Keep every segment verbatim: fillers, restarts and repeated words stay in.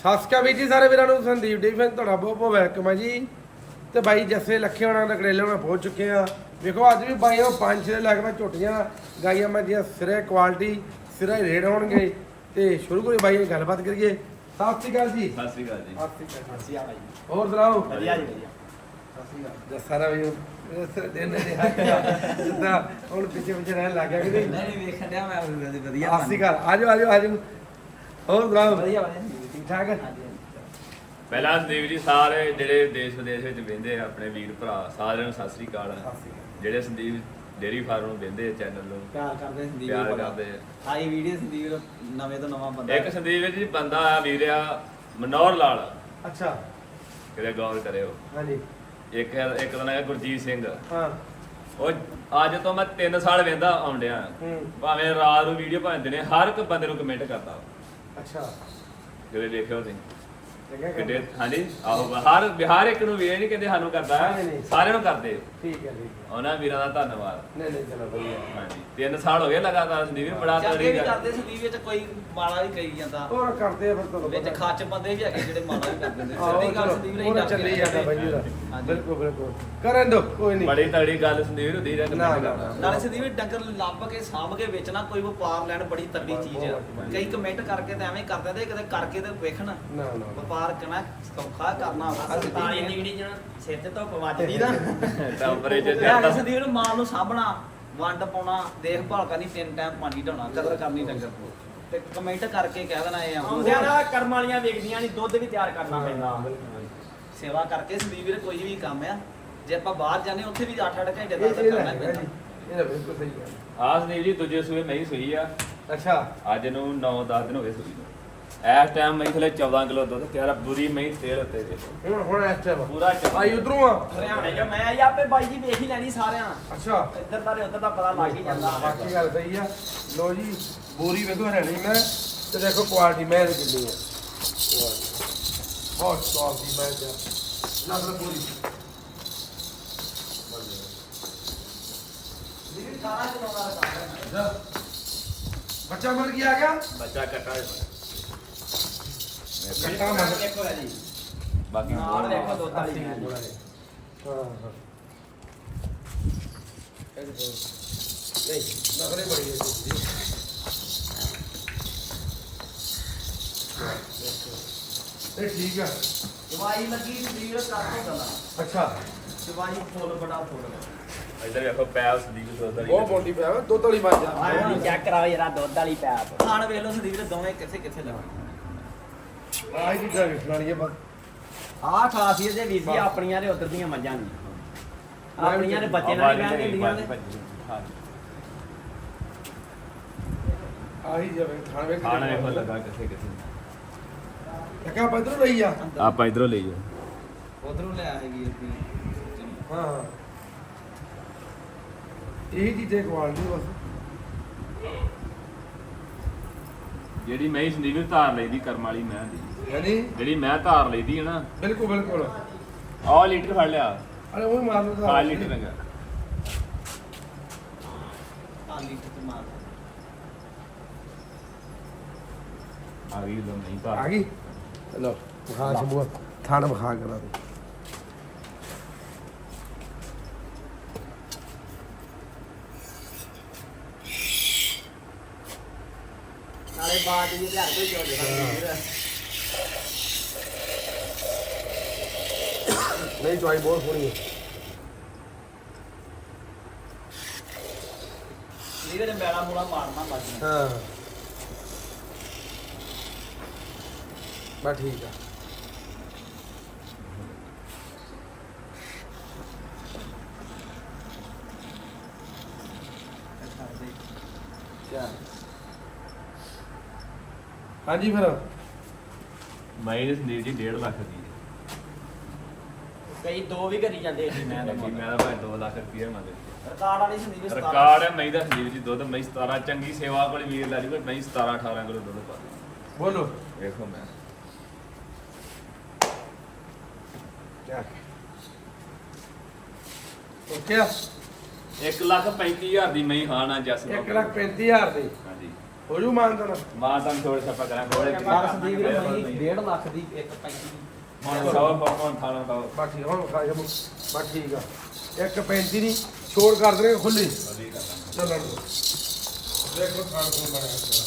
ਸਤਿ ਸ਼੍ਰੀ ਅਕਾਲ ਵੀਰ ਜੀ ਸਾਰੇ ਵੀਰਾਂ ਨੂੰ। ਸੰਦੀਪ ਡੇਰੀ ਤੁਹਾਡਾ ਬਹੁਤ ਬਹੁਤ ਵੈਲਕਮ ਹੈ ਜੀ। ਤੇ ਬਾਈ ਜੱਸੇ ਲੱਖੇ ਹੋਣਾ ਦਾ ਕਰੇਲੇ ਹੋਣਾ ਪਹੁੰਚ ਚੁੱਕੇ ਆ। ਵੇਖੋ ਅੱਜ ਵੀ ਬਾਈ ਉਹ ਪੰਜ ਛੇ ਲੱਖ ਦਾ ਝੋਟੀਆਂ ਗਾਈਆਂ ਮੱਝੀਆਂ ਸਿਰੇ ਕੁਆਲਿਟੀ ਸਿਰੇ ਰੇਟ ਹੋਣਗੇ। ਤੇ ਸ਼ੁਰੂ ਕਰੀਏ ਬਾਈ ਗੱਲਬਾਤ ਕਰੀਏ। ਸਤਿ ਸ਼੍ਰੀ ਅਕਾਲ ਜੀ। ਸਤਿ ਸ਼੍ਰੀ ਅਕਾਲ ਜੀ। ਸਤਿ ਸ਼੍ਰੀ ਅਕਾਲ ਅਸੀਂ ਆ ਭਾਈ ਹੋਰ ਸੁਣਾਓ? ਵਧੀਆ ਜੀ ਵਧੀਆ। ਸਤਿ ਸ਼੍ਰੀ ਅਕਾਲ ਜੱਸਾ ਦਾ ਵੀ ਦਿਨ ਦੇ ਹੱਥ ਜਿੱਦਾਂ ਹੁਣ ਪਿੱਛੇ ਪਿੱਛੇ ਰਹਿਣ ਲੱਗ ਗਿਆ ਕਿ ਨਹੀਂ? ਨਹੀਂ ਨਹੀਂ ਵੇਖਣ ਡਿਆ ਮੈਂ ਵਧੀਆ। ਸਤਿ ਸ਼੍ਰੀ ਅਕਾਲ ਆਜੋ ਆਜੋ ਆਜੋ। ਹੋਰ ਸੁਣਾਓ? ਵਧੀਆ ਵਧੀਆ ਠੀਕ ਠਾਕ? ਹਾਂਜੀ ਪਹਿਲਾਂ ਸੰਦੀਪ ਜੀ ਸਾਰੇ ਜਿਹੜੇ ਦੇਸ਼ ਵਿਦੇਸ਼ ਵਿੱਚ ਵਹਿੰਦੇ ਆ ਆਪਣੇ ਵੀਰ ਭਰਾ ਸਾਰਿਆਂ ਨੂੰ ਸਤਿ ਸ਼੍ਰੀ ਅਕਾਲ। ਜਿਹੜੇ ਸੰਦੀਪ ਡੇਰੀ ਫਾਰਮ ਨੂੰ ਵਹਿੰਦੇ ਆ ਚੈਨਲ ਨੂੰ ਪਿਆਰ ਕਰਦੇ ਸੰਦੀਪ ਪਿਆਰ ਨੂੰ ਕਰਦੇ ਆ। ਆਈ ਵੀਡੀਓ ਸੰਦੀਪ ਨਵੇਂ ਤੋਂ ਨਵਾਂ ਬੰਦਾ ਇੱਕ ਸੰਦੀਪ ਜੀ ਬੰਦਾ ਆ ਵੀਰ ਆ ਮਨੋਹਰ ਲਾਲ, ਅੱਛਾ ਕਿਤੇ ਗੌਰ ਕਰਿਓ। ਹਾਂਜੀ ਇੱਕ ਇੱਕ ਦਾ ਨਾਮ ਹੈ ਗੁਰਜੀਤ ਸਿੰਘ। ਹਾਂ ਉਹ ਅੱਜ ਤੋਂ ਮੈਂ ਤਿੰਨ ਸਾਲ ਵਹਿੰਦਾ ਆਉਂਦਿਆਂ ਹੂੰ ਭਾਵੇਂ ਰਾਤ ਨੂੰ ਵੀਡੀਓ ਭਾਵੇਂ ਦਿਨੇ ਹਰ ਇੱਕ ਬੰਦੇ ਨੂੰ ਕਮੈਂਟ ਕਰਦਾ। ਅੱਛਾ ਜਿਹੜੇ ਦੇਖਿਓ ਤੁਸੀਂ ਚੰਗਾ ਕਿੱਡੇ ਕੰਮ। ਹਾਂਜੀ ਆਹੋ ਹਰ ਬਿਹਾਰ ਇੱਕ ਨੂੰ ਵੀ ਇਹ ਨਹੀਂ ਕਹਿੰਦੇ ਸਾਨੂੰ ਕਰਦਾ ਨਹੀਂ, ਨਹੀਂ। ਸਾਰਿਆਂ ਨੂੰ ਕਰਦੇ। ਠੀਕ ਹੈ ਠੀਕ ਹੈ। ਉਹਨਾਂ ਵੀਰਾਂ ਦਾ ਧੰਨਵਾਦ। ਨਹੀਂ ਨਹੀਂ ਚਲੋ ਵਧੀਆ। ਹਾਂਜੀ ਤਿੰਨ ਸਾਲ ਹੋ ਗਏ ਲਗਾਤਾਰ ਸੰਦੀਪ ਬੜਾ ਜਾਂਦੇ ਤੜੀ ਵੀ ਗੱਲ। ਕਰਦੇ ਸੰਦੀਪ ਵਿੱਚ ਕੋਈ ਮਾੜਾ ਵੀ ਕਰੀ ਜਾਂਦਾ ਹੋਰ ਕਰਦੇ ਆ ਫਿਰ ਤੁਹਾਨੂੰ ਵਿੱਚ ਪਤਾ। ਖੱਚ ਬੰਦੇ ਵੀ ਹੈਗੇ ਜਿਹੜੇ ਮਾੜਾ ਵੀ ਕਰ ਦਿੰਦੇ ਆਹੋ, ਸਿੱਧੀ ਗੱਲ ਚਲੋ, ਸੰਦੀਪ ਉਹ ਨਹੀਂ ਤਾਂ ਚੱਲੀ ਜਾਂਦਾ ਬਾਈ ਜੀ ਦਾ। ਹਾਂਜੀ। ਬਿਲਕੁਲ ਬਿਲਕੁਲ ਕਰਨ ਦੋ ਕੋਈ ਨਹੀਂ। ਬੜੀ ਤੜੀ ਗੱਲ ਸੰਦੀਪ ਹੁੰਦੀ ਜਾਂ ਨਾ, ਨਾ, ਨਾ। ਨਾਲੇ ਸੰਦੀਪ ਡੰਗਰ ਲੱਭ ਕੇ ਸਾਂਭ ਕੇ ਵੇਚਣਾ ਕੋਈ ਵਪਾਰ ਲੈਣ ਬੜੀ ਤਗੜੀ ਚੀਜ਼ ਆ। ਕਈ ਕਮੈਂਟ ਕਰਕੇ ਤਾਂ ਐਵੇਂ ਕਰ ਦਿੰਦੇ ਕਦੇ ਕਰਕੇ ਤੇ ਵੇਖਣ ਨਾ ਨਾ ਵਪਾਰ ਕਰਨਾ ਸੌਖਾ ਕਰਨਾ ਸਰਤਾਲੀ ਦੀ ਜਿਹੜੀ ਜਣਾ ਸਿਰ ਤੇ ਧੁੱਪ ਵੱਜਦੀ ਨਾ ਟੈਂਪਰੇਚਰ ਯਾਰ ਚੜਦਾ। ਸੰਦੀਪ ਨੂੰ ਮਾਲ ਨੂੰ ਸਾਂਭਣਾ ਵੰਡ ਪਾਉਣਾ ਦੇਖਭਾਲ ਕਰਨੀ ਤਿੰਨ ਟਾਈਮ ਪਾਣੀ ਢਾਉਣਾ ਕਦਰ ਕਰਨੀ ਡੰਗਰ ਨੂੰ ਤੇ ਕਮੈਂਟ ਕਰਕੇ ਕਹਿ ਦੇਣਾ ਇਹ ਆਉਂਦਿਆਂ ਆ ਨਾ ਕਰਮ ਵਾਲੀਆਂ ਵੇਖਦੀਆਂ ਨਹੀਂ ਦੁੱਧ ਵੀ ਤਿਆਰ ਕਰਨਾ ਪੈਂਦਾ। ਸੇਵਾ ਕਰਕੇ ਸੰਦੀਪ ਵੀਰ ਕੋਈ ਵੀ ਕੰਮ ਆ ਜੇ ਆਪਾਂ ਬਾਹਰ ਜਾਂਦੇ ਉੱਥੇ ਵੀ ਅੱਠ ਅੱਠ ਘੰਟੇ ਇਹ ਤੱਕ ਇਹ ਕਰਨਾ ਹੈਗਾ ਪੈਂਦਾ ਜੀ। ਇਹ ਤਾਂ ਬਿਲਕੁਲ ਸਹੀ ਹੈ। ਆਹ ਸੰਦੀਪ ਜੀ ਦੂਜੇ ਸੂਏ ਮੈਂ ਹੀ ਸੂਈ ਆ। ਅੱਛਾ ਅੱਜ ਨੂੰ ਨੌ ਦਸ ਦਿਨ ਹੋ ਗਏ ਸੂਈ ਨੂੰ। ਇਸ ਟਾਈਮ ਮੈਂ ਥਲੇ ਚੌਦਾਂ ਕਿਲੋ ਦੁੱਧ ਤਿਆਰ ਆ। ਬੁਰੀ ਮੈਂ ਤੇਲ ਉੱਤੇ ਦੇਖੋ ਹੁਣ ਹੁਣ ਇਸ ਟਾਈਮ ਪੂਰਾ ਚੱਲ- ਆਈ ਉਧਰੋਂ ਆ। ਹਰਿਆਣੇ ਜੋ ਮੈਂ ਆਈ ਆਪੇ ਬਾਈ ਜੀ ਵੇਖ ਹੀ ਲੈਣੀ ਸਾਰਿਆਂ। ਅੱਛਾ ਇੱਧਰ ਦਾ ਤੇ ਉੱਧਰ ਦਾ ਪਤਾ ਲੱਗ ਹੀ ਜਾਂਦਾ। ਬਾਕੀ ਗੱਲ ਸਹੀ ਆ। ਲੋ ਜੀ ਬੋਰੀ ਵੇਖੋ ਹਰਿਆਣੀ ਮੈਂ ਤੇ ਦੇਖੋ ਕੁਆਲਿਟੀ ਮੈਂ ਇਹਦੀ ਕਿੰਨੀ ਆ। ਬਹੁਤ ਸੌਫਟ ਦੀ ਮੈਂ ਤੇ ਨਸਲ ਪੂਰੀ। ਵੀਰ ਸਾਰਾ ਚਲਾਉਣਾ ਰੱਖਦਾ ਬੱਚਾ ਮਰ ਗਿਆ ਆ ਗਿਆ। ਬੱਚਾ ਕੱਟਾ ਕੱਟਾ ਮਰ ਦੇਖੋ ਜੀ ਬਾਕੀ ਨਾਲ ਦੇਖੋ ਦੁੱਧ ਵਾਲੀ ਹਾਂ ਮੈਂ। ਹਾਂ ਨਹੀਂ ਨਖਰੇ ਬੜੀ ਹੈ ਜੀ। ਇਹ ਠੀਕ ਆ। ਦਵਾਈ ਲੱਗੀ ਸੰਦੀਪ ਕਰ ਤੋਂ ਗੱਲਾਂ ਅੱਛਾ ਦਵਾਈ ਫੁੱਲ ਬੜਾ ਫੁੱਲ ਇੱਧਰ ਵੇਖੋ ਪੈਪ ਸੰਦੀਪ ਦੁੱਧ ਵਾਲੀ ਬਹੁਤ ਬੋਲੀ ਪਿਆ ਵਾ, ਦੁੱਧ ਵਾਲੀ ਮੱਝ ਆ। ਆਹ ਵੀ ਚੈੱਕ ਕਰਾਓ ਜਰਾ ਦੁੱਧ ਵਾਲੀ ਪੈਪ। ਖਾਣ ਵੇਖ ਲਓ ਸੰਦੀਪ ਦੇ ਦੋਵੇਂ ਕਿੱਥੇ ਕਿੱਥੇ ਲੱਗੇ ਆਹ ਕੀ ਚੀਜ਼ਾਂ ਵੇਖਣ ਵਾਲੀਆਂ ਬਸ। ਆਹ ਖਾਸੀਅਤ ਜੇ ਵੀਰ ਜੀ ਆਪਣੀਆਂ ਤੇ ਉਧਰ ਦੀਆਂ ਮੱਝਾਂ ਨਹੀਂ। ਆਪਣੀਆਂ ਦੇ ਬੱਚੇ ਨਾਲ ਹੀ ਬਹਿਣ ਦਿੰਦੀਆਂ ਨੇ। ਆਹੀ ਜਿਵੇਂ ਖਾਣ ਵੇਖ ਖਾਣਾ ਵੇਖੋ ਲੱਗਾ ਕਿੱਥੇ ਕਿੱਥੇ। ਲੱਗਾ ਪੱਧਰ ਲਈ ਆ। ਆਪਾਂ ਇਧਰੋਂ ਲਈ ਜਾਓ। ਉਧਰੋਂ ਲੈ ਆਏ ਵੀਰ ਦੀ ਹਾਂ ਹਾਂ ਇਹ ਚੀਜ਼ਾਂ ਕੁਆਲਿਟੀ ਬਸ। ਜਿਹੜੀ ਮੈਂ ਸੰਦੀਪ ਨੂੰ ਧਾਰ ਲਈਦੀ ਕਰਮ ਵਾਲੀ ਮੈਂ ਦੀ ਯਾਨੀ ਜਿਹੜੀ ਮੈਂ ਧਾਰ ਲਈਦੀ ਹੈ ਨਾ ਬਿਲਕੁਲ ਬਿਲਕੁਲ। ਆਹ ਲੀਟਰ ਫੜ ਲਿਆ। ਅਰੇ ਉਹ ਹੀ ਮਾਰ ਲਓ ਆਹ ਲੀਟਰ ਲੰਗਾ ਆਲੀ ਤੇ ਮਾਰ ਆ ਗਈ ਲੋ ਨਹੀਂ ਧਾਰ ਆ ਗਈ। ਚਲੋ ਵਿਖਾ ਸ਼ੰਭੂ ਥਾਣ ਵਿਖਾ ਕਰਾ ਦੇ। ਨਾਲੇ ਬਾਤ ਜੀ ਤੇ ਹਰ ਕੋਈ ਜੋ ਦੇਖਦਾ। ਨਹੀਂ ਚੁਆਈ ਬਹੁਤ ਸੋਹਣੀ ਹੈ। ਵੀਰ ਨੇ ਮੈਲਾ ਮੂਲਾ ਮਾਰਨਾ ਬਾਜੀ ਹਾਂ ਬਸ ਠੀਕ ਆ। ਹਾਂਜੀ ਫਿਰ ਮੈਂ ਇਹ ਸੰਦੀਪ ਜੀ ਡੇਢ ਲੱਖ ਦੀ ਕਈ ਦੋ ਵੀ ਕਰੀ ਜਾਂਦੇ ਜੀ ਮੈਂ ਮੈਂ ਤਾਂ ਮੈਂ ਤਾਂ ਭਾਵੇਂ ਦੋ ਲੱਖ ਰੁਪਏ ਮੰਗਦੇ। ਰਿਕਾਰਡ ਵਾਲੀ ਸੰਦੀਪ ਸਤਾਰਾਂ ਰਿਕਾਰਡ ਹੈ ਮੈਂ ਦਾ ਸੰਦੀਪ ਜੀ ਦੁੱਧ ਮੈਂ ਸਤਾਰਾਂ ਚੰਗੀ ਸੇਵਾ ਕੋਲ ਵੀਰ ਲੈ ਲਈ ਮੈਂ ਸਤਾਰਾਂ ਅਠਾਰਾਂ ਕਿਲੋ ਦੁੱਧ ਪਾ ਦੇ। ਬੋਲੋ ਵੇਖੋ ਮੈਂ ਓਕੇ ਆ। ਇੱਕ ਲੱਖ ਪੈਂਤੀ ਹਜ਼ਾਰ ਦੀ ਮੈਂ ਹਾਂ ਨਾ ਜੱਸ ਇੱਕ ਲੱਖ ਪੈਂਤੀ ਹਜ਼ਾਰ ਦੀ। ਹਾਂਜੀ ਹੋ ਜੂ ਮਾਨਤਾ ਨਾ ਮਾਂ ਤਾਂ ਛੋੜ ਛੱਪਾ ਕਰਾਂ ਕੋਲੇ ਪਰ ਸੰਦੀਪ ਵੀਰ ਮਈ ਡੇਢ ਲੱਖ ਦੀ ਇੱਕ ਪੈਂਤੀ ਦੀ ਹੁਣ ਸੌ ਪੌਣ ਥਾਣਾ ਦਾ ਬਾ ਠੀਕ ਹੁਣ ਖਾ ਜਮੂ ਬਾ ਠੀਕ ਆ ਇੱਕ ਪੈਂਤੀ ਦੀ ਛੋੜ ਕਰ ਦੇਣਗੇ ਖੁੱਲੀ ਚੱਲਣ ਦੋ ਦੇਖੋ ਖਾਣ ਤੋਂ ਬਣਿਆ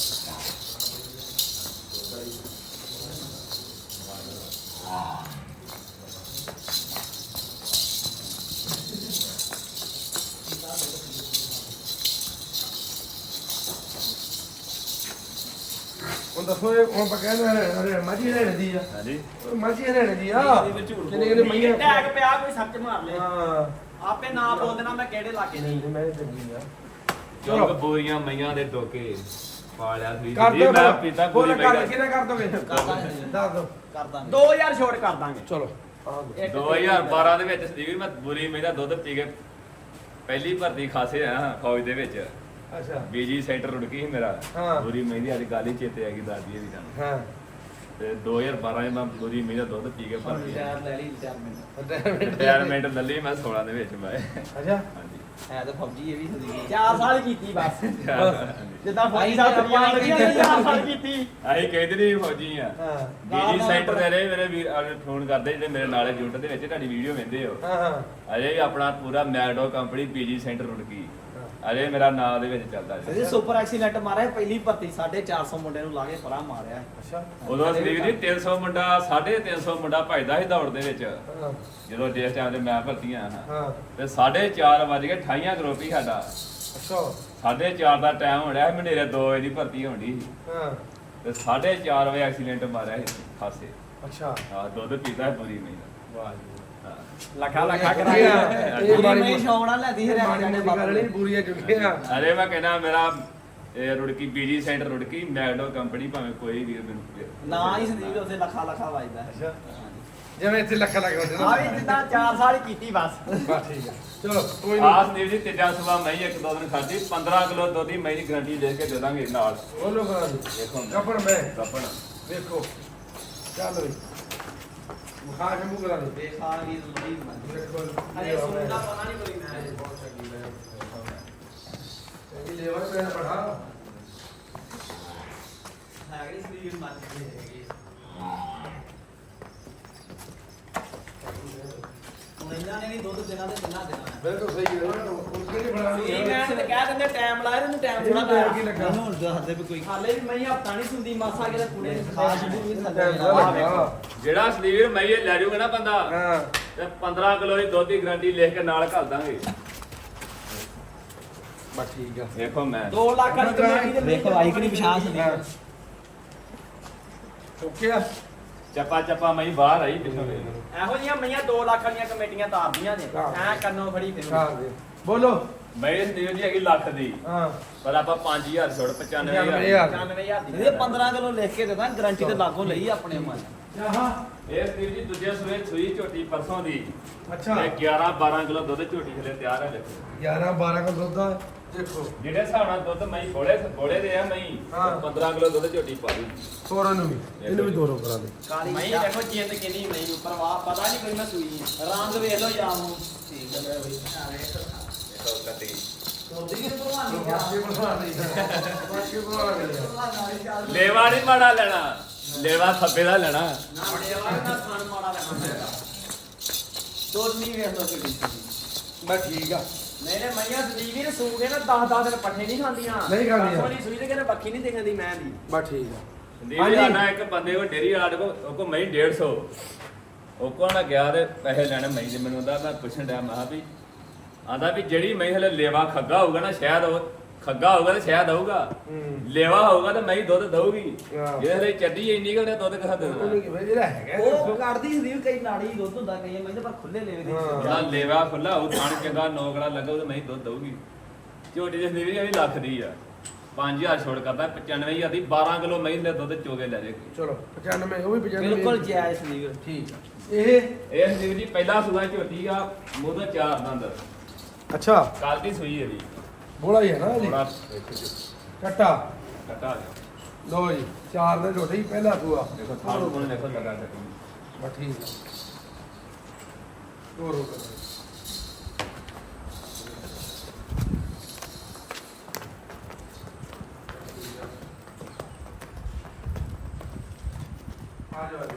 ਹੁਣ ਦੱਸੋ ਇਹ ਹੁਣ ਆਪਾਂ ਕਹਿੰਦੇ ਹਰੇ ਮਾਝੀ ਹਰਿਆਣੇ ਦੀ ਆ ਹਾਂਜੀ ਮਾਝੀ ਹਰਿਆਣੇ ਦੀ ਆ ਕਿੰਨੇ ਕਿੰਨੇ ਨਹੀਂ ਮਈਆਂ ਟੈਗ ਪਿਆ ਕੋਈ ਸੱਚ ਮਾਰ ਲੈ ਹਾਂ ਆਪੇ ਨਾ ਬੋਲ ਦੇਣਾ ਮੈਂ ਕਿਹੜੇ ਇਲਾਕੇ ਦੀ ਨਹੀਂ ਮੈਂ ਚੰਗੀ ਆ ਚਲੋ ਬੋਰੀਆਂ ਮਈਆਂ ਦੇ ਟੋਕੇ ਪਾਲਿਆ ਸੀ ਕਰ ਜੀ ਦਿਓ ਮੈਂ ਪੀਤਾ ਬੋਲ ਪੂਰੀ ਕਰ ਮੈਂ ਕਿਹਨੇ ਕਰ ਦੋਗੇ ਦੱਸ ਦੋ ਕਰ ਦਾਂਗੇ ਦੋ ਹਜ਼ਾਰ ਛੋੜ ਕਰ ਦਾਂਗੇ ਚਲੋ ਆ ਇੱਕ ਦੋ ਹਜ਼ਾਰ ਬਾਰਾਂ ਦੇ ਵਿੱਚ ਸੀ ਮੈਂ ਬੁਰੀ ਮਈ ਦਾ ਦੁੱਧ ਪੀ ਕੇ ਪਹਿਲੀ ਭਰਤੀ ਖਾਸੇ ਆ ਫੌਜ ਦੇ ਵਿੱਚ ਅੱਛਾ ਬੀਜੀ ਸੈਂਟਰ ਰੁੜਕੀ ਸੀ ਮੇਰਾ ਹਾਂ। ਬੁਰੀ ਮਈ ਦੀ ਅੱਜ ਗੱਲ ਹੀ ਚੇਤੇ ਆ ਗਈ ਦਾਦੀ ਦੀ ਤੁਹਾਨੂੰ ਹਾਂ ਤੇ ਦੋ ਹਜ਼ਾਰ ਬਾਰਾਂ ਚ ਮੈਂ ਬੁਰੀ ਮਈ ਦਾ ਦੁੱਧ ਪੀ ਕੇ ਭਰਤੀ ਰਿਟਾਇਰ ਲੈ ਲਈ ਰਿਟਾਇਰਮੈਂਟ ਰਿਟਾਇਰਮੈਂਟ ਲੱਲੀ ਮੈਂ ਸੋਲਾਂ ਦੇ ਵਿੱਚ ਮੈਂ ਅੱਛਾ ਹਾਂਜੀ ਹੈ ਤਾਂ ਫੌਜੀ ਇਹ ਵੀ ਸੰਦੀਪ ਚਾਰ ਸਾਲ ਕੀਤੀ ਬਸ ਹਾਂਜੀ। ਜਿੱਦਾਂ ਫੌਜੀ ਆਈ ਸਾਹਿਬ ਤਾਂ ਦੁਨੀਆ ਲੱਗੀਆਂ ਆਪਾਂ ਚਾਰ ਸਾਲ ਕੀਤੀ ਅਸੀਂ ਕਹਿੰਦੇ ਨਹੀਂ ਫੌਜੀ ਆ ਹਾਂ ਬੀਜੀ ਸੈਂਟਰ ਦੇ ਰਹੇ ਮੇਰੇ ਵੀਰ ਫੋਨ ਕਰਦੇ ਜਿਹੜੇ ਮੇਰੇ ਨਾਲੇ ਯੂਨਿਟ ਦੇ ਵਿੱਚ ਤੁਹਾਡੀ ਵੀਡੀਓ ਵੇਖਦੇ ਹੋ ਹਾਂ ਹਾਂ ਅਜੇ ਵੀ ਆਪਣਾ ਪੂਰਾ Magdo company PG centre Rurki ਅਜੇ ਮੇਰਾ ਨਾਮ ਦੇ ਵਿੱਚ ਚੱਲਦਾ ਇਹ ਜੀ ਸੁਪਰ ਐਕਸੀਲੈਂਟ ਮਾਰਿਆ ਪਹਿਲੀ ਭਰਤੀ ਚਾਰ ਸੌ ਮੁੰਡੇ ਨੂੰ ਲਾ ਕੇ ਪਰਾਂ ਮਾਰਿਆ ਅੱਛਾ ਉਦੋਂ ਸਰੀਰ ਦੀ ਤਿੰਨ ਸੌ ਮੁੰਡਾ ਸਾਢੇ ਤਿੰਨ ਸੌ ਮੁੰਡਾ ਭਜਦਾ ਸੀ ਦੌੜ ਦੇ ਵਿੱਚ ਹਾਂ ਜਦੋਂ ਜਿਸ ਟਾਈਮ ਤੇ ਮੈਂ ਭਰਤੀਆਂ ਹਾਂ ਹਾਂ ਤੇ ਸਾਢੇ ਚਾਰ ਵਜ ਕੇ ਅਠਾਈਆਂ ਗਰੁੱਪ ਹੀ ਸਾਡਾ ਅੱਛਾ ਸਾਢੇ ਚਾਰ ਦਾ ਟਾਈਮ ਹੋ ਰਿਹਾ ਮਨੇਰੇ ਦੋ ਵਜੇ ਦੀ ਭਰਤੀ ਹੋਣੀ ਸੀ ਹਾਂ ਤੇ ਸਾਢੇ ਚਾਰ ਵਜੇ ਐਕਸੀਡੈਂਟ ਮਾਰਿਆ ਸੀ ਖਾਸੇ ਅੱਛਾ ਆ ਦੁੱਧ ਪੀਤਾ ਹੈ ਪੂਰੀ ਨਹੀਂ ਵਾਹ ਜੀ ਲੱਖਾ ਲੱਖਾ ਇਹ ਕਰਾਇਆ ਇਹ ਪੂਰੀ ਮਾੜੀ ਮੈਂ ਸ਼ੌਂਕ ਨਾਲ ਲੈਂਦੀ ਹਰਿਆਣੇ ਮਾੜੀ ਦੇ ਮੋਟੀ ਗੱਲ ਨਹੀਂ ਪੂਰੀਆਂ ਚੁੱਕੀਆਂ ਅਰੇ ਮੈਂ ਕਹਿੰਦਾ ਮੇਰਾ ਇਹ Rurki PG centre Rurki Magdo company ਭਾਵੇਂ ਕੋਈ ਵੀ ਮੈਨੂੰ ਦੇ। ਨਾ ਹੀ ਸੰਦੀਪ ਉੱਥੇ ਲੱਖਾ ਲੱਖਾ ਵੱਜਦਾ ਅੱਛਾ ਜਿਵੇਂ ਇੱਥੇ ਲੱਖ ਲੱਖ ਹੁੰਦੇ ਆ ਵੀ ਜਿੱਦਾਂ ਚਾਰ ਸਾਲ ਹੀ ਕੀਤੀ ਬਸ ਬਸ ਠੀਕ ਹੈ ਚਲੋ ਕੋਈ ਆਸ ਨਹੀਂ ਦੇਵ ਜੀ ਤੀਜਾ ਸੁਬਾ ਮੈਂ ਇੱਕ ਦੋ ਦਿਨ ਖਾਧੀ ਪੰਦਰਾਂ ਕਿਲੋ ਦੁੱਧ ਦੀ ਮੈਂ ਦੀ ਗਰੰਟੀ ਦੇ ਕੇ ਦੇ ਦਾਂਗੇ ਨਾਲ ਬੋਲੋ ਕਰਾਂ ਜੀ ਦੇਖੋ ਕੱਪੜ ਮੈਂ ਕੱਪਣ ਵੇਖੋ ਚੱਲ ਵੀ ਮੁਖਾ ਕੇ ਮੂੰਹ ਕਰਾ ਦੇ ਦੇਖਾ ਵੀ ਜ਼ਰੂਰੀ ਮੰਨ ਦੇਖੋ ਅਰੇ ਸੁਣ ਦਾ ਪਤਾ ਨਹੀਂ ਕੋਈ ਮੈਂ ਬਹੁਤ ਚੰਗੀ ਹੈ ਇਹ ਲੇਵਰ ਤੇ ਪੜਾ ਹੈਗੀ ਸੰਦੀਪ ਮੰਨ ਕੇ ਹੈਗੀ ਹੁਣ ਇਹਨਾਂ ਨੇ ਵੀ ਦੁੱਧ ਦੇਣਾ ਤੇ ਕਿੰਨਾ ਦੇਣਾ ਹੈ ਬਿਲਕੁਲ ਸਹੀ ਹੈ ਉਸ ਕੇ ਨਹੀਂ ਬਣਾਣੀ ਸੀ ਮੈਂ ਤੇ ਕਹਿ ਦਿੰਦੇ ਟਾਈਮ ਲਾਇਆ ਇਹਨੂੰ ਟਾਈਮ ਥੋੜਾ ਥੋੜਾ ਟਾਈਮ ਕੀ ਲੱਗਾ ਹੁਣ ਦੱਸਦੇ ਵੀ ਕੋਈ ਹਾਲੇ ਵੀ ਮੈਂ ਹਫਤਾ ਨਹੀਂ ਸੁਣਦੀ ਮਾਸਾ ਕਿਤੇ ਕੁੜੇ ਨੂੰ ਖਾਸ ਖਾਸ ਵੀ ਟਾਈਮ ਥੱਲੇ ਦਾ ਆ ਲੱਗਾ ਜਿਹੜਾ ਸਲੀਵਰ ਮੈਂ ਇਹ ਲੈ ਜਾਊਗਾ ਨਾ ਬੰਦਾ ਹਾਂ ਤੇ ਪੰਦਰਾਂ ਕਿਲੋ ਦੀ ਦੁੱਧ ਦੀ ਗਰੰਟੀ ਲਿਖ ਕੇ ਨਾਲ ਘੱਲ ਦਾਂਗੇ ਬਸ ਠੀਕ ਆ ਦੇਖੋ ਮੈਂ ਦੋ ਲੱਖ ਵਾਲੀ ਕਮੇਟੀ ਦੇ ਵੇਖੋ ਆਈ ਕਿ ਨਹੀਂ ਪਛਾਣ ਸੰਦੀਪ ਓਕੇ ਆ ਚੱਪਾ ਚੱਪਾ ਮੈਂ ਬਾਹਰ ਆਈ ਪਿੱਛੋਂ ਵੇਖ ਇਹੋ ਜੀਆਂ ਮਈਆਂ ਦੋ ਲੱਖ ਵਾਲੀਆਂ ਕਮੇਟੀਆਂ ਤਾਰਦੀਆਂ ਨੇ ਹਾਂ। ਐ ਕੰਨੋਂ ਫੜੀ ਫਿਰ ਖਾ ਦੇ ਬੋਲੋ ਮੈਂ ਇਸ ਦੀ ਜੀ ਹੈਗੀ ਲੱਖ ਦੀ ਹਾਂ ਪਰ ਆਪਾਂ ਪੰਜ ਹਜ਼ਾਰ ਛੋੜ ਪਚਾਨਵੇਂ ਪਚਾਨਵੇਂ ਹਜ਼ਾਰ ਹਜ਼ਾਰ। ਪਚਾਨਵੇਂ ਹਜ਼ਾਰ ਦੀ ਇਹ ਪੰਦਰਾਂ ਕਿਲੋ ਲਿਖ ਕੇ ਦੇਦਾ ਗਾਰੰਟੀ ਤੇ ਲਾਗੋਂ ਲਈ ਆਪਣੇ ਮਨ ਆਹਾ ਇਸ ਦੀ ਜੀ ਦੂਜੇ ਸੂਏ ਸੂਈ ਝੋਟੀ ਪਰਸੋਂ ਦੀ ਅੱਛਾ ਤੇ ਗਿਆਰਾਂ ਬਾਰਾਂ ਕਿਲੋ ਦੁੱਧ ਝੋਟੀ ਥਲੇ ਤਿਆਰ ਹੈ ਦੇਖੋ ਗਿਆਰਾਂ ਬਾਰਾਂ ਕਿਲੋ ਦੁੱਧ ਆ ਦੇਖੋ ਜਿਹੜੇ ਹਿਸਾਬ ਨਾਲ ਦੁੱਧ ਮੈਂ ਬੋਲੇ ਬੋਲੇ ਦੇ ਆ ਮੈਂ ਹਾਂ। ਪੰਦਰਾਂ ਕਿਲੋ ਦੁੱਧ ਝੋਟੀ ਪਾ ਦੂੰ ਤੋਰਨ ਨੂੰ ਵੀ ਇਹਨੂੰ ਵੀ ਦੋਰੋ ਕਰਾ ਦੇ ਕਾਲੀ ਮਈ ਦੇਖੋ ਜਿੰਦ ਕਿੰਨੀ ਮਈ ਪਰਵਾਹ ਪਤਾ ਨਹੀਂ ਕੋਈ ਮੈਂ ਸੂਈ ਆ ਰੰਗ ਵੇਖ ਲਓ ਜਾਂ ਨੂੰ ਠੀਕ ਹੈ ਬਈ ਦੇਖੋ ਕੱਟੀ ਤੋਦੀ ਕਿ ਭਲਵਾਨੀ ਬਾਕੀ ਬਣਾ ਲਈ ਬਾਕੀ ਬਣਾ ਲਈ ਲੇਵਾ ਨਹੀਂ ਮਾੜਾ ਲੈਣਾ ਲੇਵਾ ਥੱਬੇ ਦਾ ਲੈਣਾ ਨਾ ਬੜੇਵਾ ਨਾ ਖਾਣ ਮਾੜਾ ਲੈਣਾ ਮੈਂ ਤੋਦਨੀ ਵੇਖ ਲਓ ਕਿੱਡੀ ਬਸ ਠੀਕ ਆ ਮੇਰੇ ਮਈਆਂ ਸਦੀਵੀ ਨੇ ਸੂ ਕੇ ਨਾ ਦਸ ਦਸ ਦਿਨ ਪੱਠੇ ਨਹੀਂ ਖਾਂਦੀਆਂ ਨਹੀਂ ਖਾਂਦੀਆਂ। ਦਸ ਵਾਲੀ ਸੂਈ ਤੇ ਕਹਿੰਦੇ ਬੱਖੀ ਨਹੀਂ ਦਿਖਦੀ ਮੈਂ ਦੀ ਬਸ ਠੀਕ ਆ ਸੰਦੀਪ ਹਾਂਜੀ। ਜੀ ਆਣਾ ਇੱਕ ਬੰਦੇ ਕੋ ਡੇਰੀ ਵਾਲਾ ਕੋ ਉਹ ਕੋ ਮੈਂ ਡੇਢ ਸੌ ਉਹ ਕੋ ਨਾ ਗਿਆ ਤੇ ਪੈਸੇ ਲੈਣੇ ਮੈਂ ਦੇ ਮੈਨੂੰ ਉਹਦਾ ਮੈਂ ਪੁੱਛਣ ਡਿਆ ਮੈਂ ਕਿਹਾ ਵੀ ਆਂਦਾ ਵੀ ਜਿਹੜੀ ਮੈਂ ਹਲੇ ਲੇਵਾ ਖੱਗਾ ਹੋਊਗਾ ਨਾ ਸ਼ਾਇਦ ਉਹ ਖੱਗਾ ਹੋਊਗਾ ਤੇ ਸ਼ਾਇਦ ਆਊਗਾ ਹੂੰ ਲੇਵਾ ਹੋਊਗਾ ਤੇ ਮੈਂ ਹੀ ਦੁੱਧ ਦਊਗੀ ਹਾਂ। ਜੇ ਹਲੇ ਚੱਡੀ ਇੰਨੀ ਕਿ ਉਹਨੇ ਦੁੱਧ ਕਿਹਾ ਉਹਨੂੰ ਦੇਣਾ ਕੀ ਬਈ ਇਹਦਾ ਹੈਗਾ ਉਹ ਕੱਢਦੀ ਸੰਦੀਪ ਕਈ ਨਾੜੀ ਦੁੱਧ ਹੁੰਦਾ ਕਈ ਮੈਂ ਪਰ ਖੁੱਲੇ ਲੈਵੇ ਦੀ ਹਾਂ। ਜਿਹੜਾ ਲੇਵਾ ਖੁੱਲਾ ਉਹ ਥਣ ਚੰਗਾ ਨੌਕੜਾ ਲੱਗਾ ਉਹ ਤੇ ਮੈਂ ਹੀ ਦੁੱਧ ਦਊਗੀ ਝੋਟੀ ਦੇ ਸਰੀਰ ਵੀ ਲੱਖ ਦੀ ਆ ਪੰਜ ਹਜ਼ਾਰ ਛੋੜ ਕਰਦਾ ਪਚਾਨਵੇਂ ਹਜ਼ਾਰ ਦੀ ਬਾਰਾਂ ਕਿਲੋ ਮੈਂ ਦੇ ਦੁੱਧ ਚੋਗੇ ਲੈ ਜਾਏਗੀ ਚਲੋ ਪਚਾਨਵੇਂ ਉਹ ਵੀ ਪਚਾਨਵੇਂ ਬਿਲਕੁਲ ਜਾਇਜ਼ ਸੰਦੀਪ ਠੀਕ ਆ ਇਹ ਇਹ ਸੰਦੀਪ ਜੀ ਪਹਿਲਾ ਸੂਆ ਝੋਟੀ ਆ ਮੂੰਹ ਤੋਂ ਚਾਰ ਦੰਦ ਅੱਛਾ ਕੱਲ ਦੀ ਸੂਈ ਹੈ ਜੀ ਬੋਲਾ ਹੀ ਹੈ ਨਾ ਜੀ ਥੋੜਾ ਦੇਖੋ ਜੀ ਕੱਟਾ ਕਟਾ ਲੋ ਜੀ ਚਾਰ ਦੇ ਰੋਟੀ ਪਹਿਲਾ ਸੂਆ ਦੇਖੋ ਥਾਲ ਕੋਲ ਦੇਖੋ ਲਗਾ ਦੇਖੋ ਬਸ ਠੀਕ ਆ ਤੋਰੋ ਕਰੋ ਆ ਜਾਓ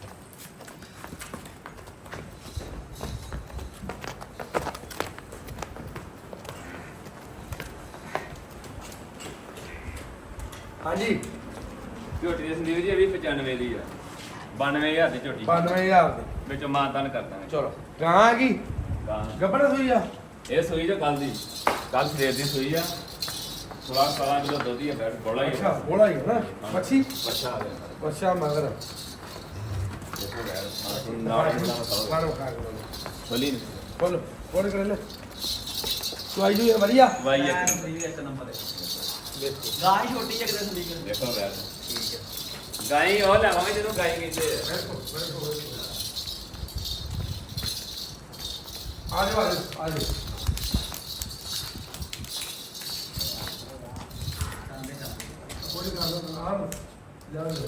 ਹਾਂਜੀ ਝੋਟੀ ਦੀ ਸੰਦੀਪ ਜੀ ਇਹ ਵੀ ਪਚਾਨਵੇਂ ਦੀ ਆ ਬਾਨਵੇਂ ਹਜ਼ਾਰ ਦੀ ਝੋਟੀ ਬਾਨਵੇਂ ਹਜ਼ਾਰ ਦੇ ਵਿੱਚੋਂ ਮਾਨਤਾਨ ਕਰ ਦਾਂਗੇ ਚਲੋ ਗਾਂ ਆ ਗਈ ਗਾਂ ਗੱਬੜ ਸੂਈ ਆ ਇਹ ਸੂਈ ਜੋ ਕੱਲ ਦੀ ਕੱਲ ਸਵੇਰ ਦੀ ਸੂਈ ਆ ਸੋਲਾਂ ਸਤਾਰਾਂ ਕਿਲੋ ਦੁੱਧ ਹੀ ਆ ਬੈਠ ਬੋਲਾ ਹੀ ਅੱਛਾ ਬੋਲਾ ਹੀ ਹੈ ਨਾ ਮੱਛੀ ਬੱਚਾ ਆ ਗਿਆ ਬੱਚਾ ਮਗਰ ਦੇਖੋ ਯਾਰ ਨਾਲ ਨਾਲ ਖਾਓ ਮਾਰੋ ਖਾ ਕੇ ਖੋਲੀ ਨੀ ਬੋਲ ਬੋਲ ਕਰ ਲੈ ਚੁਆਈ ਜੂ ਵਧੀਆ ਵਾਈ ਐਨ ਇੱਕ ਸੰਦੀਪ ਇੱਕ ਨੰਬਰ ਹੈ ਦੇਖੋ ਗਾਂ ਹੀ ਛੋਟੀ ਜਿਹੀ ਕਿਤੇ ਸੰਦੀਪ ਦੇਖੋ ਯਾਰ ਠੀਕ ਹੈ ਗਾਈ ਉਹ ਲਾਵਾਂਗੇ ਜਦੋਂ ਗਾਈ ਕਹਿੰਦੇ ਆ। ਬਿਲਕੁਲ ਬਿਲਕੁਲ ਆ ਜਾਓ ਆ ਜਾਓ ਆ ਜਾਓ ਬੋਲੀ ਕਰ ਲਓ ਆ ਜਾ ਲਓ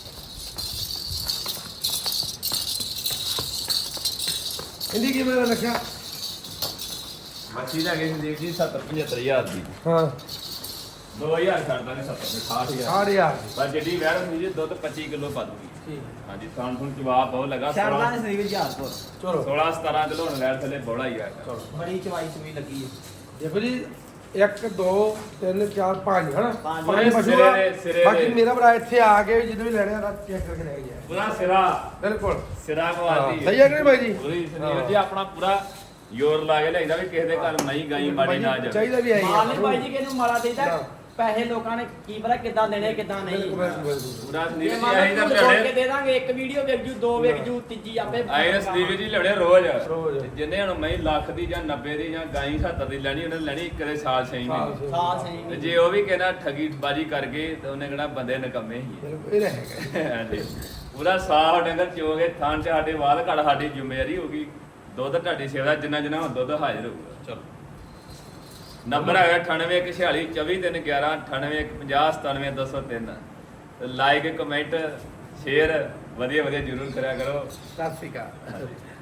ਇੰਦੀ ਕੀ ਮੇਰਾ ਰੱਖਿਆ ਮੱਛੀ ਲੈ ਗਏ ਸੰਦੀਪ ਜੀ ਸੱਤਰ ਪਝੱਤਰ ਹਜ਼ਾਰ ਦੀ ਹਾਂ ਦੋ ਹਜ਼ਾਰ ਛੱਡਦਾ ਨੇ ਸੱਤਰ ਦੇ ਅਠਾਹਠ ਹਜ਼ਾਰ ਸਾਢੇ ਯਾਰ ਪਰ ਜਿਹੜੀ ਵੈਰ ਹੁੰਦੀ ਜੀ ਦੁੱਧ ਪੱਚੀ ਕਿਲੋ ਪਾ ਦੂਗੀ ਠੀਕ ਹਾਂਜੀ ਖਾਣ ਖੁਣ ਜਵਾਬ ਬਹੁਤ ਲੱਗਾ ਸ਼ਰਦਾ ਨੇ ਸੰਦੀਪ ਹਜ਼ਾਰਪੁਰ ਚਲੋ ਸੋਲਾਂ ਸਤਾਰਾਂ ਕਿਲੋ ਹੁਣ ਵੈਰ ਥੱਲੇ ਬੋਲਾ ਹੀ ਆ ਚਲੋ ਬੜੀ ਚਵਾਈ ਚੁਈ ਲੱਗੀ ਹੈ ਦੇਖੋ ਜੀ ਇੱਕ ਦੋ ਤਿੰਨ ਚਾਰ ਪੰਜ ਹਨਾ ਪੰਜ। ਪੰਜ ਪਸ਼ੂ ਸਿਰੇ ਆ। ਦੇ- ਸਿਰੇ ਬਾਕੀ ਦੇ। ਮੇਰਾ ਭਰਾ ਇੱਥੇ ਆ ਕੇ ਜਦੋਂ ਵੀ ਲੈਣੇ ਆ ਤਾਂ ਚੈੱਕ ਕਰਕੇ ਲੈ ਕੇ ਜਾਏ ਪੂਰਾ ਸਿਰਾ ਬਿਲਕੁਲ ਸਿਰਾ ਕੋ ਹਾਂ, ਆਦੀ ਸਹੀ ਹੈ ਕਿ ਨਹੀਂ ਬਾਈ ਜੀ ਪੂਰੀ ਸੰਦੀਪ ਹਾਂ। ਜੀ ਆਪਣਾ ਪੂਰਾ ਜ਼ੋਰ ਲਾ ਕੇ ਲੈਂਦਾ ਵੀ ਕਿਸੇ ਦੇ ਘਰ ਨਹੀਂ ਗਾਈ ਮਾੜੀ ਨਾ ਜਾਵੇ ਚਾਹੀਦਾ ਵੀ ਹੈ ਮਾਲ ਨਹੀਂ ਬਾਈ ਜੀ ਕਿਹਨੂੰ ਮਾੜਾ ਦੇਈਦਾ ਪੈਸੇ ਲੋਕਾਂ ਨੇ ਕੀ ਪਤਾ ਕਿੱਦਾਂ ਦੇਣੇ ਕਿੱਦਾਂ ਨਹੀਂ ਬਿਲਕੁਲ ਬਿਲਕੁਲ ਬਿਲਕੁਲ। ਪੂਰਾ ਸੰਦੀਪ ਜੇ ਜੀ ਮੰਨ ਆਹੀ ਲਓ ਤਾਂ ਝੋਲ ਕੇ ਲੜੇ ਦੇ ਦਾਂਗੇ ਇੱਕ ਵੀਡੀਓ ਵੇਖ ਜੂ ਦੋ ਵੇਖ ਜੂ ਤੀਜੀ ਆਪੇ ਆਏ ਸੰਦੀਪ ਜੀ ਲੜੇ ਰੋਜ਼ ਰੋਜ਼। ਜਿੰਨੇ ਹੁਣ ਮੈਂ ਲੱਖ ਦੀ ਜਾਂ ਨੱਬੇ ਦੀ ਜਾਂ ਗਾਈ ਸੱਤਰ ਦੀ ਲੈਣੀ ਉਹਨੇ ਲੈਣੀ ਇੱਕ ਦੇ ਸਾਲ ਛੇ ਸਾਲ ਮਹੀਨੇ ਛੇ। ਸਾਲ ਤੇ ਸਹੀ ਜੇ ਉਹ ਵੀ ਕਹਿੰਦਾ ਠਗੀ ਬਾਜੀ ਕਰ ਗਏ ਤੇ ਉਹਨੇ ਕਹਿਣਾ ਬੰਦੇ ਨਕੰਮੇ ਹੀ ਬਿਲਕੁਲ ਇਹ ਰਹੇਗਾ ਹਾਂਜੀ ਪੂਰਾ ਸਾਫ ਡੰਗਰ ਚੋਗੇ ਥਾਂ ਚ ਸਾਡੇ ਵਾਲ ਘੜ ਸਾਡੀ ਜ਼ਿੰਮੇਵਾਰੀ ਹੋਗੀ ਦੁੱਧ ਤੁਹਾਡੀ ਸੇਵਾ ਜਿੰਨਾ ਜਿੰਨਾ ਹੁਣ ਦੁੱਧ ਹਾਜ਼ਰ ਹੋਊਗਾ ਚਲੋ ਨੰਬਰ ਹੈਗਾ ਅਠਾਨਵੇਂ ਇੱਕ ਛਿਆਲੀ ਚੌਵੀ ਤਿੰਨ ਗਿਆਰਾਂ ਅਠਾਨਵੇਂ ਇੱਕ ਪੰਜਾਹ ਸਤਾਨਵੇਂ ਦੋ ਸੌ ਤਿੰਨ ਲਾਈਕ ਕਮੈਂਟ ਸ਼ੇਅਰ ਵਧੀਆ ਵਧੀਆ ਜ਼ਰੂਰ ਕਰਿਆ ਕਰੋ ਸਤਿ ਸ਼੍ਰੀ ਅਕਾਲ